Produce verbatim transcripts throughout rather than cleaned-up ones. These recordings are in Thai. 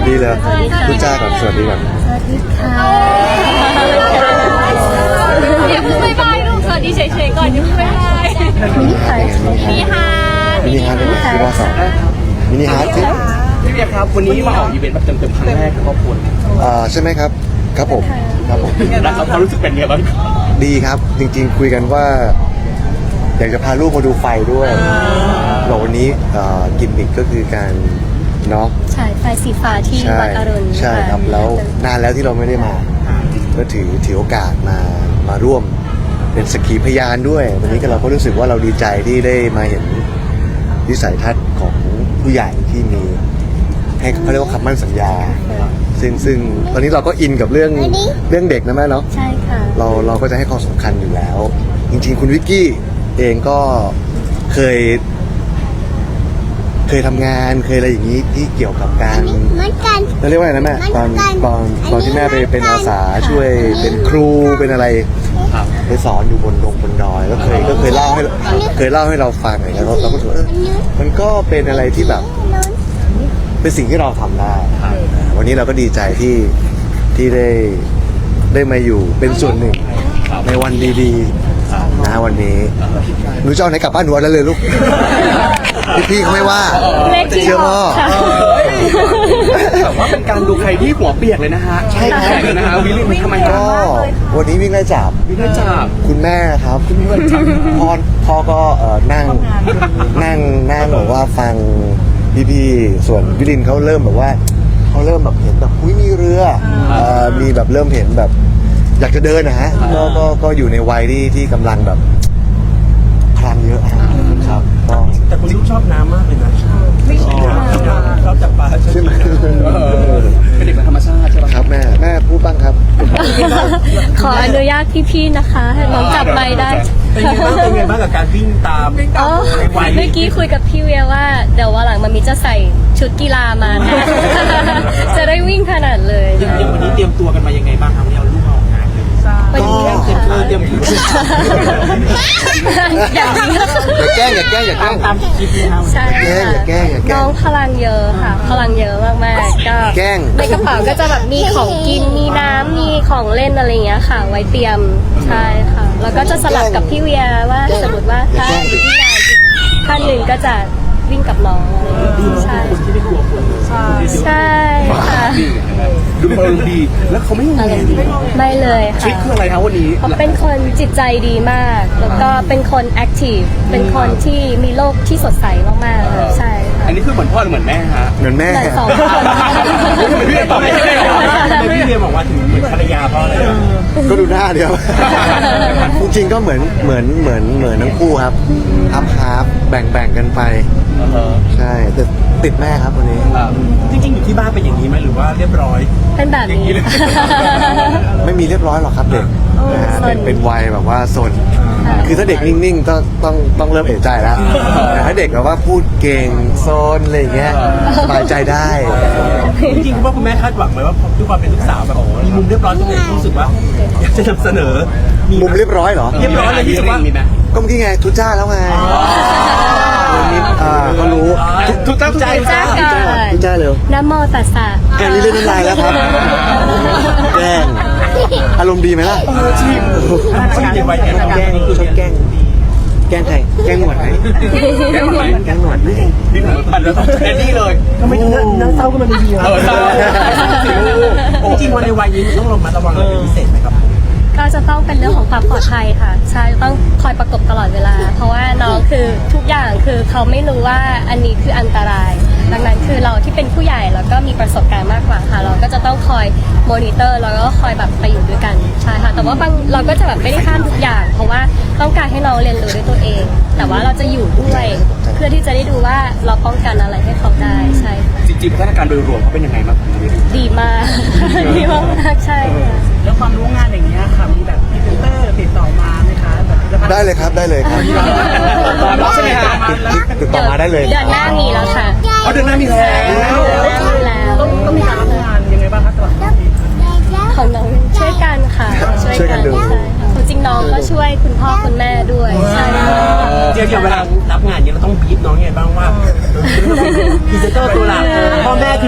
ดีเลยพูดจ้าก่อนสวัสดีก่อนสวัสดีค่ะเดี๋ยวเพิ่งบายบายลูกสวัสดีเฉยๆก่อนเดี๋ยวเพิ่งบายบายมินิฮาร์ทมีฮาร์ดมินิฮาร์ดเป็นที่ว่าสองมินิฮาร์ดที่พี่เบียร์ครับวันนี้มาออกอีเวนต์แบบเต็มๆครั้งแรกกับครอบครัวอ่าใช่ไหมครับครับผมครับผมแล้วเขารู้สึกเป็นไงบ้างดีครับจริงๆคุยกันว่าอยากจะพาลูกมาดูไฟด้วยเราวันนี้กิมมิคก็คือการเนาะฉายไฟสีฟ้าที่ใช่วัดอรุณใช่ครับแล้วนานแล้วที่เราไม่ได้มาก็ถือถือโอกาสมามาร่วมเป็นสักขีพยานด้วยวันนี้ก็เราก็รู้สึกว่าเราดีใจที่ได้มาเห็นวิสัยทัศน์ของผู้ใหญ่ที่มีให้เขาเรียกว่าคำมั่นสัญญาซึ่งซึ่งตอนนี้เราก็อินกับเรื่องเรื่องเด็กนะแม่เนาะใช่ค่ะเราเราก็จะให้ความสำคัญอยู่แล้ว จริงๆคุณวิกกี้เองก็เคย เคยทำงานเคยอะไรอย่างนี้ที่เกี่ยวกับการเราเรียกว่าอะไรนะแม่ตอนตอนตอนที่แม่ไปเป็นอาสาช่วยเป็นครูเป็นอะไรไปสอนอยู่บนดงบนดอยก็เคยก็เคยเล่าให้เคยเล่าให้เราฟังอะไรเงี้ยเราเราก็รู้สึกว่าเออมันก็เป็นอะไรที่แบบเป็นสิ่งที่เราทำได้วันนี้เราก็ดีใจที่ที่ได้ได้มาอยู่เป็นส่วนหนึ่งในวันดีๆนะวันนี้หนูจะเอาไหนกลับบ้านหนูเอาได้เลยลูกพี่ๆเขาไม่ว่าเลขที่เชื่อพ่อค่ะแต่ว่าเป็นการดูใครที่หัวเปียกเลยนะฮะใช่ครับเลยนะฮะวิลลี่มันทำไมก็วันนี้วิ่งไล่จับวิ่งไล่จับคุณแม่ครับคุณแม่พ่อพ่อก็เอ่อนั่งนั่งนั่งแบบว่าฟังพี่ๆส่วนวิลินเขาเริ่มแบบว่าเขาเริ่มแบบเห็นแบบอุ้ยมีเรือเอ่อมีแบบเริ่มเห็นแบบ อยากจะเดินนะฮะก็ก็ก็อยู่ในวัยที่ที่กำลังแบบพลังเยอะครับก็แต่คุณลูกชอบน้ำมากเลยนะไม่ชอบชอบจับปลาใช่ไหมเป็นเด็กธรรมชาติใช่ไหมครับแม่แม่พูดบ้างครับขออนุญาตพี่ๆนะคะให้น้องจับไมค์ได้เป็นไงบ้างเป็นไงบ้างกับการวิ่งตามอ๋อเมื่อกี้คุยกับพี่เวียว่าเดี๋ยววันหลังมามีจะใส่ชุดกีฬามานะ จะได้วิ่งขนาดเลยยังวันนี้เตรียมตัวกันมายังไงบ้างครับวันนี้เอาลูกมาออกงานเลยวันนี้เตรียมค่ะเตรียมอย่างนี้อย่าแกล้งอย่าแกล้งอย่าแกล้งตามคลิปนี้ครับใช่อย่าแกล้งอย่าแกล้งน้องพลังเยอะค่ะ พลังเยอะมากๆก็แกล้งในกระเป๋าก็จะแบบมีของกินมีน้ำมีของเล่นอะไรอย่างเงี้ยค่ะ ไว้เตรียมใช่ค่ะ แล้วก็จะสลับกับพี่เวียว่าสมมติว่าถ้าอีกที่งานอีกท่านหนึ่งก็จะวิ่งกับน้องอะไรอย่างเงี้ยใช่คนที่ไม่กลัวคนเลยใช่ค่ะดูเป็นคนดีแล้วเขาไม่งงไม่เลยทริค่ะคคืออะไรครับวันนี้เขาเป็นคนจิตใจดีมาก แล้วก็เป็นคนแอคทีฟเป็นคนที่มีโลกที่สดใสมากๆเลยใช่ค่ะอันนี้คือเหมือนพ่อหรือเหมือนแม่ฮะเหมือนแม่เหมือนสองคนพี่เรียนตอบไม่ได้ทำไมพี่เรียนบอกว่าถึงเหมือนภรรยาพ่อเลยก็ดูหน้าเดียว จริงๆก็เหมือนเหมือนเหมือนเหมือนทั้งคู่ครับฮับฮับแบ่งแบ่งกันไปใช่แต่ติดแม่ครับวันนี้จริงๆอยู่ที่บ้านเป็นอย่างนี้ไหมหรือว่าเรียบร้อยเป็นแบบนี้ไม่มีเรียบร้อยหรอกครับเด็กนะฮะเป็นเป็นวัยแบบว่าโซนคือถ้าเด็กนิ่งๆต้องต้องต้องเริ่มเอะใจแล้วแต่ถ้าเด็กแบบว่าพูดเก่งโซนอะไรอย่างเงี้ยสบายใจได้จริงๆคุณพ่อคุณแม่คาดหวังไหมว่าด้วยความเป็นลูกสาวแบบมีมุมเรียบร้อยตรงไหนที่รู้สึกว่าอยากจะนำเสนอมุมเรียบร้อยเหรอเรียบร้อยเลยที่รู้สึกว่ามีไหมก็เมื่อกี้ไงทุจ้าแล้วไงวันนี้อ่าก็รู้ทุกตั้งใจจ้าก่อนทุจ้าเร็วนะโมตัสสะแกนี่เล่นน้ำลายแล้วครับแกล้งอารมณ์ดีไหมล่ะชีพชีพในวัยแก่แกล้งคือชอบแกล้งแกล้งใครแกล้งหนวดไหมแกล้งไหมแกล้งหนวดไหมนี่อันแล้วต้องแอนดี้เลยทำไมน่าเศร้าก็มันดีอ่ะเออเศร้าจริงๆวันในวัยนี้ต้องระมัดระวังอะไรเป็นพิเศษไหมครับก็จะต้องเป็นเรื่องของความปลอดภัยค่ะใช่ต้องคอยประกบตลอดเวลา เพราะว่าน้องคือทุกอย่างคือเขาไม่รู้ว่าอันนี้คืออันตราย ดังนั้นคือเราที่เป็นผู้ใหญ่แล้วก็มีประสบการณ์มากกว่าค่ะ เราก็จะต้องคอยมอนิเตอร์แล้วก็คอยแบบไปอยู่ด้วยกันใช่ค่ะแต่ว่าบางเราก็จะแบบไม่ได้ห้ามทุกอย่าง เพราะว่าต้องการให้น้องเรียนรู้ด้วยตัวเอง แต่ว่าเราจะอยู่ด้วยเพื่อที่จะได้ดูว่าเราป้องกันอะไรให้เขาได้ใช่ค่ะจริงๆพัฒนาการโดยรวมเขาเป็นยังไงบ้างดีมาก ดีมากๆใช่ค่ะแล้วความรู้งานอย่างเงี้ยค่ะมีแบบพรีเซนเตอร์ติดต่อมาไหมคะแบบผลิตภัณฑ์ได้เลยครับได้เลยครับใช่ไหมฮะติดต่อมาได้เลยเดือนหน้ามีแล้วค่ะเขาเดินหน้ามีแล้วเดือนหน้ามีแล้วต้องต้องมีการรับงานยังไงบ้างคะสำหรับพี่ของน้องช่วยกันค่ะช่วยกันดูใช่ค่ะความจริงน้องก็ช่วยคุณพ่อคุณแม่ด้วยใช่ค่ะเดี๋ยวเดี๋ยวเวลารับงานเนี่ยเราต้องบีบน้องไงบ้างว่าพรีเซนเตอร์ตัวหลักพ่อแม่คือตัว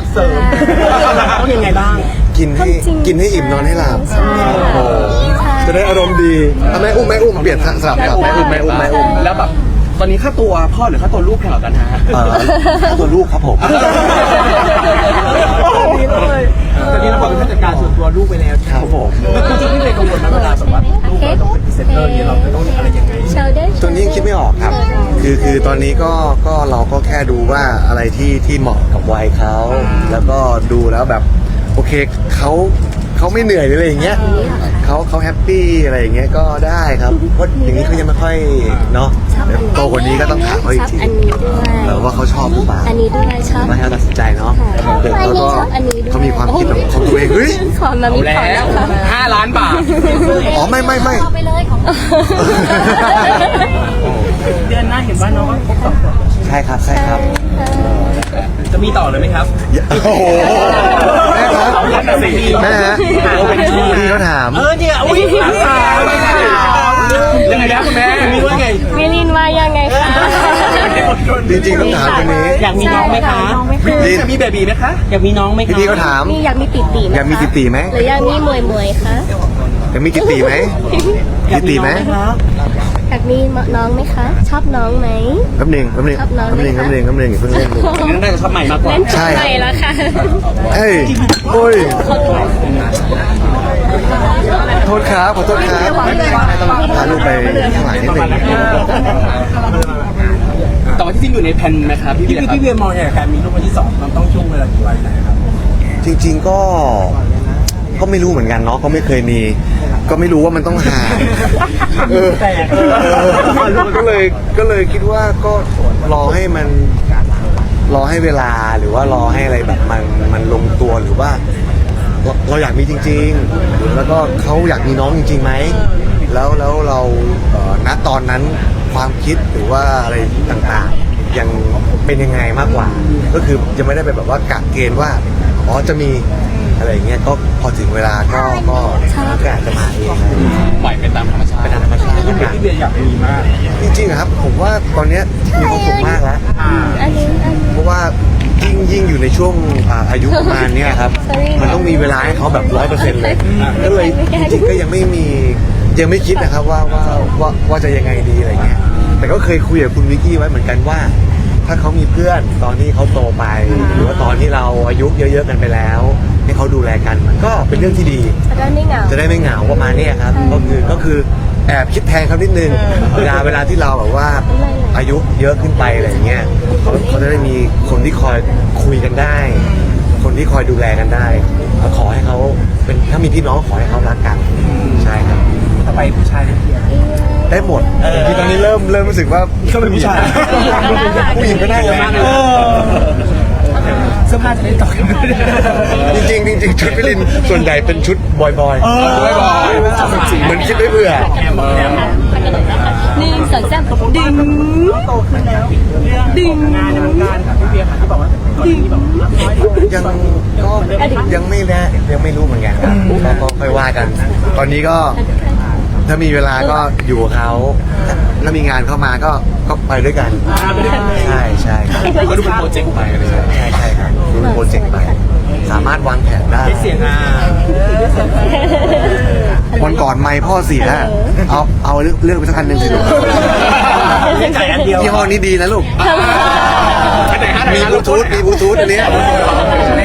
เสริมต้องยังไงบ้างกินให้จริงๆกินให้อิ่มนอนให้หลับใช่โอ้โหจะได้อารมณ์ดีเอาแม่อุ้มแม่อุ้มเปลี่ยนสลับกับแม่อุ้มแม่อุ้มแม่อุ้มแล้วแบบตอนนี้ค่าตัวพ่อหรือค่าตัวลูกแพงกว่ากันฮะเอ่อตัวลูกครับผมดีเลยตอนนี้เราบอกเป็นผู้จัดการส่วนตัวลูกไปแล้วครับผมจริงๆพี่เวย์กังวลไหมเวลาแบบว่าลูกเราต้องเป็นพรีเซนเตอร์เนี่ยเราจะต้องอะไรยังไงตัวนี้ยังคิดไม่ออกครับ คือคือตอนนี้ก็ก็เราก็แค่ดูว่าอะไรที่ที่เหมาะกับวัยเขาแล้วก็ดูแล้วแบบโอเคเขาเขาไม่เหนื่อยหรืออะไรอย่างเงี้ยเขาเขาแฮปปี้อะไรอย่างเงี้ยก็ได้ครับเพราะอย่างนี้เขายังไม่ค่อยเนาะเดี๋ยวโตกว่านี้ก็ต้องถามเขาอีกทีอันนี้ด้วยแล้วว่าเขาชอบหรือเปล่าอันนี้ด้วยชอบมาให้เราตัดสินใจเนาะค่ะเด็กแล้วก็ชอบอันนี้ด้วยเขามีความคิดของของตัวเองเฮ้ยขอมามีขอนะคะห้าล้านบาทอ๋อไม่ไม่ไม่เอาไปเลยของเดือนหน้าเห็นว่าน้องก็ครบสองขวบใช่ครับใช่ครับจะมีต่อเลยไหมครับโอ้โหแม่ครับแม่ฮะพี่เขาถามเออเนี่ยอุ้ยยังไงนะคุณแม่มีว่าไงมิลินว่ายังไงคะจริงๆต้องถามคนนี้อยากมีน้องไหมคะลินจะมีเบบีไหมคะ อยากมีน้องไหมคะพี่พี่เขาถามมีอยากมีติตีไหมอยากมีติตีไหมหรืออยากมีมวยมวยคะอยากมีกิตตีไหมกิตตีไหมอยากมีน้องไหมคะ ชอบน้องไหมแป๊บหนึงแป๊บหนึงชอบน้องแป๊บหนึงไหมแป๊คะบหนึงแป๊บหนึงอย่าเพิ่งเล่นลูกนี่น่าจะชอบใหม่มากกว่าเล่นใช่ใหม่แล้วค่ะเฮ้ยโอ้ยโทษครับขอโทษครับต้องพาลูกไปข้างหลังนิดหนึงแต่ว่าที่จริงอยู่ในแผนไหมครับพี่พี่พี่เวียมองอย่างการมีลูกคนที่สองมันต้องช่วงเวลากี่วันไหนครับจริง ๆก็ก็ไม่รู้เหมือนกันเนาะก็ไม่เคยมี ก็ไม่รู้ว่ามันต้องห่างเออเออก็เลยก็เลยคิดว่าก็รอให้มันรอให้เวลาหรือว่ารอให้อะไรแบบมันมันลงตัวหรือว่า เราเราอยากมีจริงๆ แล้วก็เขาอยากมีน้องจริงๆไหม แล้วแล้วเราเอ่อณตอนนั้นความคิดหรือว่าอะไรต่างๆ ยังเป็นยังไงมากกว่า ก็คือยังไม่ได้ไปแบบว่ากะเกณฑ์ว่า อ๋อจะมีอะไรอย่างเงี้ย ก็พอถึงเวลาก็ก็ก็อาจจะมาเองปล่อยไปตามธรรมชาติเป็นธรรมชาติแล้วกันพี่เวียอยากมีมากจริงๆอะครับ ผมว่าตอนเนี้ยมีความสุขมากแล้วอันนี้อันนี้เพราะว่ายิ่งยิ่งอยู่ในช่วงอ่าอายุประมาณเนี้ยครับ มันต้องมีเวลาให้เขาแบบร้อยเปอร์เซ็นต์เลยก็เลยจริงๆก็ยังไม่มียังไม่คิดนะครับว่าว่าว่าว่าจะยังไงดีอะไรเงี้ยแต่ก็เคยคุยกับคุณวิกกี้ไว้เหมือนกันว่า ถ้าเขามีเพื่อนตอนที่เขาโตไป หรือว่าตอนที่เราอายุเยอะๆกันไปแล้ว ให้เขาดูแลกันมันก็เป็นเรื่องที่ดีจะได้ไม่เหงาจะได้ไม่เหงาประมาณเนี้ยครับก็คือก็คือแอบคิดแทนเขานิดนึงเวลาเวลาที่เราแบบว่าอายุเยอะขึ้นไปอะไรอย่างเงี้ยเขาเขาจะได้มีคนที่คอยคุยกันได้ คนที่คอยดูแลกันได้ก็ขอให้เขาเป็นถ้ามีพี่น้องขอให้เขารักกันใช่ครับต่อไปผู้ชายเนี่ยได้หมดที่ตอนนี้เริ่มเริ่มรู้สึกว่าก็เป็นผู้ชายผู้หญิงก็ได้เยอะมากเลยเออเสื้อผ้าจะได้ต่อกันจริงๆจริงๆชุดพิลินส่วนใหญ่เป็นชุดบอยๆเออบ่อยๆเหมือนคิดไว้เผื่อหนึ่งสองสามดึงโตขึ้นแล้วเรื่องของงานในวงการค่ะพี่เบียร์ค่ะที่บอกว่าก่อนที่แบบรับน้อยลงยังก็ยังไม่แน่ยังไม่รู้เหมือนกันครับก็ก็ค่อยว่ากัน ตอนนี้ก็ถ้ามีเวลาก็อยู่กับเขาถ้ามีงานเข้ามาก็ก็ไปด้วยกัน ใช่ใช่ครับก็ดูเป็นโปรเจกต์ไปเลยใช่ใช่ครับดูเป็นโปรเจกต์ไปสามารถวางแผนได้เสียงอ่ะวันก่อนไม่พ่อเสียเอาเอาเลือกเลือกไปสักอันหนึ่งสิลูกจ่ายอันเดียวยี่ห้อนี้ดีนะลูกมีบลูทูธมีบลูทูธอันเนี้ย